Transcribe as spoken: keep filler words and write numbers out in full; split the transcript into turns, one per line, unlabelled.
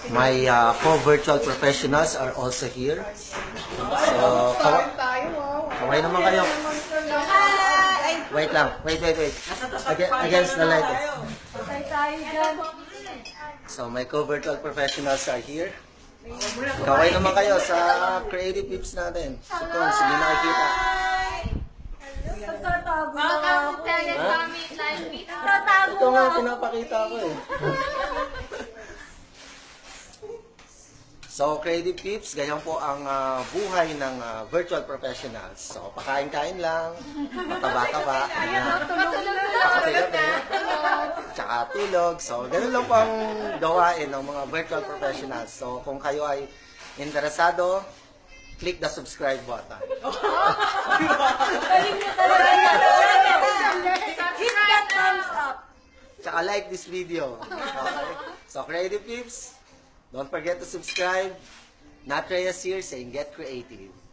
My uh, co-virtual professionals are also here. So, kawa kaway naman kayo. Wait lang. Wait, wait, wait. Aga- Against the light. So, my co-virtual professionals are here. Kaway naman kayo sa creative tips natin. So, kung sige nakikita.
Nagtatago na
Welcome to
ako.
Telesummit Live Meet.
Nagtatago
Ito
na
nga
ako.
pinapakita ko eh. So, creative tips, ganyan po ang ah, buhay ng ah, virtual professionals. So, pakain-kain lang, mataba-taba, ayan. Pakape-kape, tsaka tulog. So, ganun lang po ang gawain ng mga virtual professionals. So, kung kayo ay interesado, click the subscribe button.
Galing niya talaga yan. Hit that thumbs up.
Tsaka like this video. Okay? So, creative tips, don't forget to subscribe. Nat Reyes here saying get creative.